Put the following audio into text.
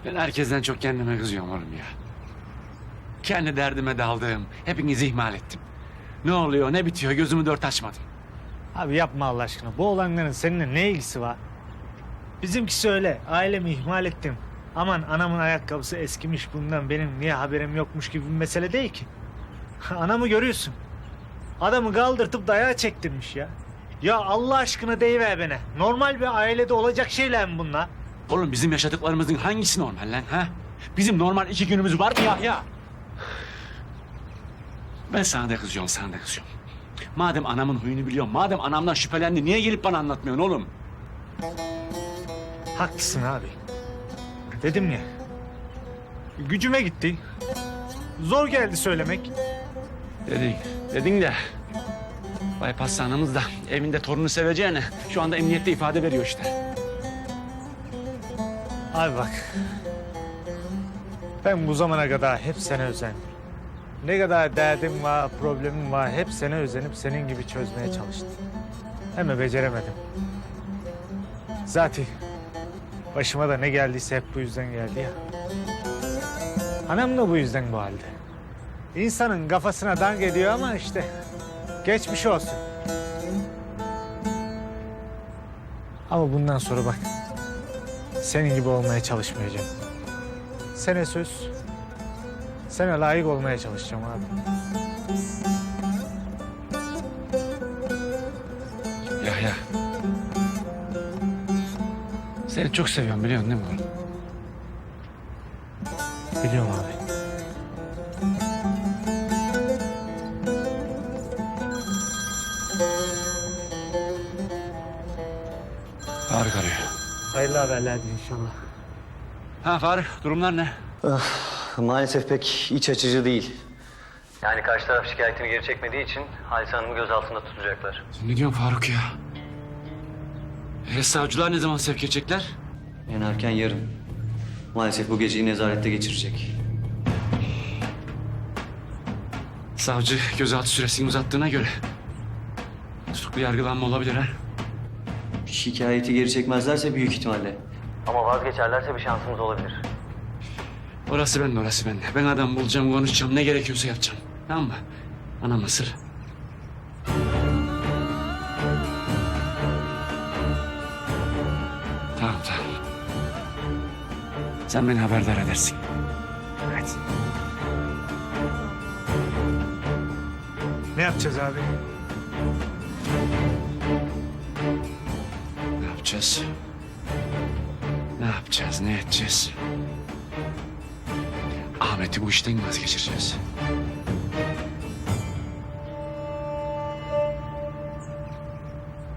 Ben herkesten çok kendime kızıyorum oğlum ya. Kendi derdime daldım. Hepinizi ihmal ettim. Ne oluyor, ne bitiyor gözümü dört açmadım. Abi yapma Allah aşkına. Bu olanların seninle ne ilgisi var? Bizimkisi öyle. Ailemi ihmal ettim. Aman anamın ayakkabısı eskimiş, bundan benim niye haberim yokmuş gibi bir mesele değil ki. Anamı görüyorsun. Adamı kaldırtıp dayağı çektirmiş ya. Ya Allah aşkına deyiver bana. Normal bir ailede olacak şeyler mi bunlar? Oğlum bizim yaşadıklarımızın hangisi normal lan ha? Bizim normal 2 günümüz var mı ya? Ben sana da kızıyorum, sana da kızıyorum. Madem anamın huyunu biliyorum, madem anamdan şüphelendi, niye gelip bana anlatmıyorsun oğlum? Haklısın abi. Dedim ya. Gücüme gitti. Zor geldi söylemek. Dedin de. Bypass anamız da evinde torunu seveceğine şu anda emniyette ifade veriyor işte. Abi bak. Ben bu zamana kadar hep sana özendim. Ne kadar derdim var, problemim var, hep sana özenip senin gibi çözmeye çalıştım. Ama beceremedim. Zaten başıma da ne geldiyse hep bu yüzden geldi ya. Anam da bu yüzden bu halde. İnsanın kafasına dank ediyor ama işte geçmiş olsun. Ama bundan sonra bak, senin gibi olmaya çalışmayacağım. Sana söz, sana layık olmaya çalışacağım abi. Ya. Seni çok seviyorum biliyorsun değil mi oğlum? Biliyorum abi. Faruk arıyor. Hayırlı haberlerdir inşallah. Ha Faruk, durumlar ne? Maalesef pek iç açıcı değil. Yani karşı taraf şikayetini geri çekmediği için Halise Hanım'ı gözaltında tutacaklar. Sen ne diyorsun Faruk ya? Savcılar ne zaman sevk edecekler? En erken yarın. Maalesef bu geceyi nezarette geçirecek. Savcı gözaltı süresini uzattığına göre tutuklu yargılanma olabilir ha? Şikayeti geri çekmezlerse büyük ihtimalle. Ama vazgeçerlerse bir şansımız olabilir. Orası bende. Ben adam bulacağım, konuşacağım, ne gerekiyorsa yapacağım. Tamam mı? Anam sır. Tamam. Sen beni haberdar edersin. Hadi. Ne yapacağız abi? Ne yapacağız? Ne edeceğiz? Ahmet'i bu işten vazgeçireceğiz.